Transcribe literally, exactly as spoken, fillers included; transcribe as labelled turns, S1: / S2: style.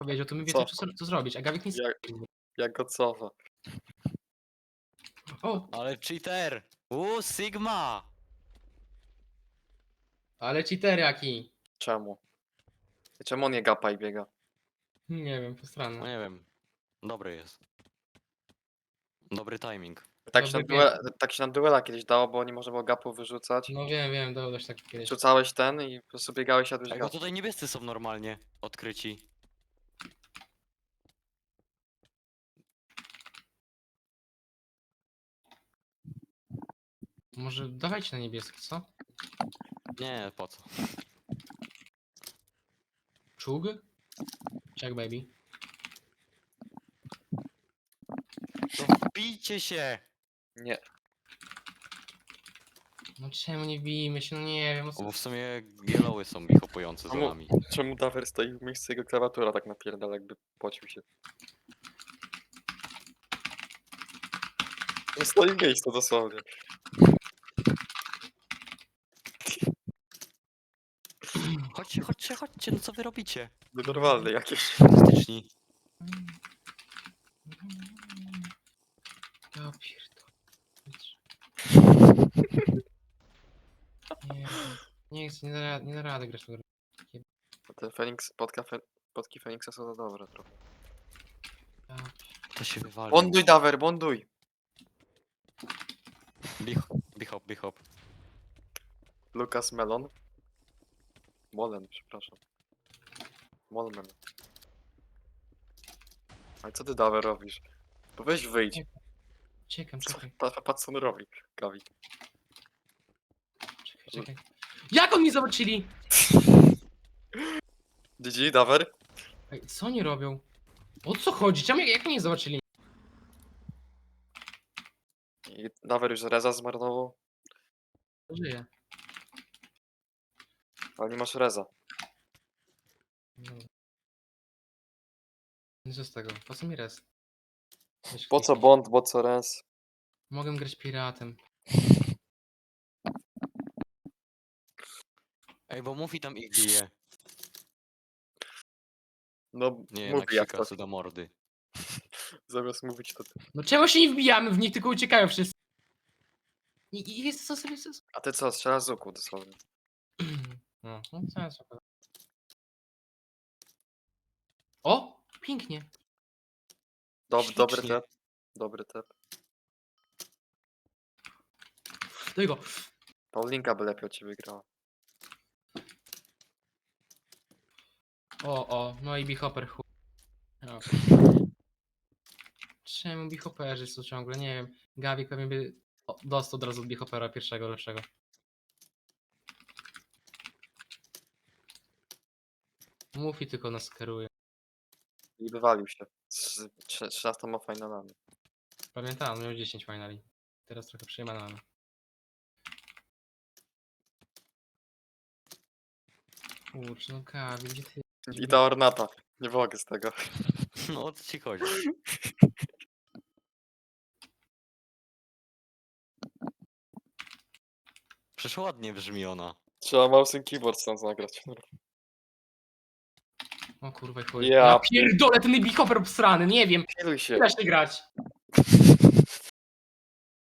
S1: powiedział, to my
S2: Co?
S1: wiecie co, co zrobić, a Gawik nic
S2: Jak, jak go cofa?
S1: O,
S3: Ale cheater! Uuu, Sigma!
S1: ale cheater jaki?
S2: Czemu? Czemu on nie gapa i biega?
S1: Nie wiem,
S3: No
S1: postranne.
S3: nie wiem. Dobry jest. Dobry timing.
S2: Tak się, na
S1: Dobry
S2: duela, tak się na duela kiedyś dało, bo nie można było gapów wyrzucać.
S1: No wiem, wiem, dało też tak kiedyś.
S2: Rzucałeś ten i po prostu biegałeś, jadłeś
S3: Ej, bo
S2: gap.
S3: tutaj niebiescy są normalnie odkryci.
S1: Może dawajcie na niebieski, co?
S3: Nie, po co?
S1: Czug? Check baby.
S3: No bijcie się!
S2: Nie.
S1: No czemu nie bijmy się, no nie wiem, o
S3: O,
S1: co...
S3: bo w sumie yellowy są ich hopujące za
S2: Czemu?
S3: nami.
S2: Czemu Dawer stoi w miejscu, jego klawiatura tak napierdala, jakby pocił się. No stoi w miejscu dosłownie.
S3: Chodźcie, chodźcie, chodźcie, no co wy robicie?
S2: Nienormalny jakiś.
S3: Fantastyczni.
S1: Ja pierdolę. Nie, nie chcę, nie da, ra- nie da rady grać w tą grę.
S2: Ten Feniks, podka, fe, podki Feniksa są za dobre trochę.
S1: Ja
S3: To się wywali.
S2: Bonduj Dawer, bonduj!
S3: Bichop, bichop.
S2: Lukas Melon. Molen, przepraszam. Molmen. Ale co ty Dawer robisz? Bo weź wyjdź.
S1: Czekam,
S2: Co-
S1: czekaj,
S2: pa- Patrz co on robi, Gawi.
S1: czekaj, czekaj. Jak oni zobaczyli?
S2: G G, Dawer?
S1: Ej, co oni robią? O co chodzi? Czemu, jak, jak oni nie zobaczyli?
S2: I Dawer już Reza zmarnował,
S1: Żyje.
S2: ale nie masz Reza.
S1: Dobra. No co z tego? Po co mi res? Weź
S2: Po co
S1: kliknij.
S2: Bond, po co Rez?
S1: Mogę grać piratem.
S3: Ej, bo mówi tam ich bije.
S2: No,
S3: Nie wiem,
S2: mówi
S3: jak
S2: jak
S3: się
S2: to.
S3: kasy do mordy.
S2: Zamiast mówić to...
S1: No czemu się nie wbijamy w nich, tylko uciekają wszyscy? I, i jest co sobie... Co...
S2: A ty co, strzelasz z łuku dosłownie.
S1: No, no co jest okej. O! Pięknie.
S2: Dob, dobry
S3: Ślicznie.
S2: tep. Dobry tep.
S1: Do jego.
S2: Paulinka by lepiej od ciebie grała.
S1: O, o, no i Bihopper chuj. O. Czemu Bihopperzy są ciągle? Nie wiem. Gawik pewnie by o, dostał od razu od Bihoppera pierwszego, lepszego. Mów i tylko nas kieruje.
S2: I wywalił się. Z trze- trzynastoma finalami.
S1: Pamiętam, miał dziesięć finali. Teraz trochę przejmane mamy. Kurczę, no Gawik, gdzie ty?
S2: I ta ornata. Nie mogę z tego.
S3: No o co ci chodzi? Przecież ładnie brzmi ona.
S2: Trzeba mouse and keyboard stąd zagrać.
S1: O kurwa, chuj.
S2: Ja
S1: Ja pierdolę, ten Bihopper obsrany, nie wiem.
S2: Piluj się.
S1: Nie da się grać.